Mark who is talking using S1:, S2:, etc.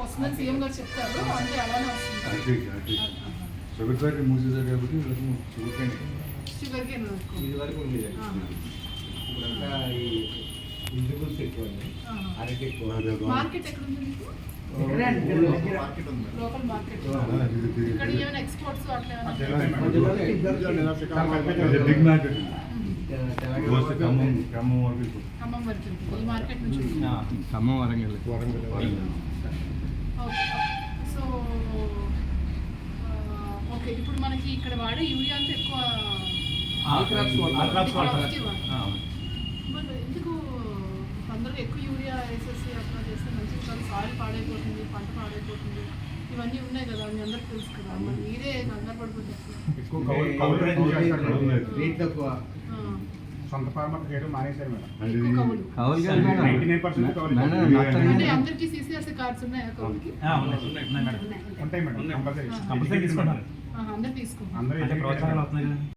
S1: వస్తుందని సీఎం గారు చెప్తారు, అంటే అలానే వస్తుంది.
S2: షుగర్ ఫ్యాక్టరీ మూసేసారు కాబట్టి
S1: షుగర్ కేన్
S3: ఇది వరకు ఉండేది. ఇప్పుడంతా ఈ వెజిటబుల్స్ ఎక్కువ అండి, అరటి ఎక్కువ.
S1: మార్కెట్ ఎక్కడ ఉంది మీకు? Local market. ఇక్కడ ఏమైనా ఎక్స్పోర్ట్స్ అట్లా
S2: బిగ్ మార్కెట్
S1: ఖమ్మం వరకు ఈ మార్కెట్ నుంచి.
S2: ఖమ్మం వరంగల్
S1: సో ఓకే, ఇప్పుడు మనకి ఇక్కడ వాడే యూరియా అంతా ఎక్కువ మరి ఎందుకు అందరూ ఎక్కువ యూరియా వేసేసి అట్లా చేస్తే మంచిది కాదు, సాయిల్ పాడైపోతుంది, పంట పాడైపోతుంది, ఇవన్నీ ఉన్నాయి కదా, మీ అందరికి తెలుసు కదా, మరి మీరే కంగారు పడిపోతారు.
S4: సొంత ఫార్మర్ చేయడం మానేశారు మేడం.
S1: అంటే అందరికి CCRC కార్డ్స్ ఉన్నాయా కౌలుకి?
S4: ఉంటాయి మేడం,
S1: అందరు తీసుకుంటారు.
S4: అందరూ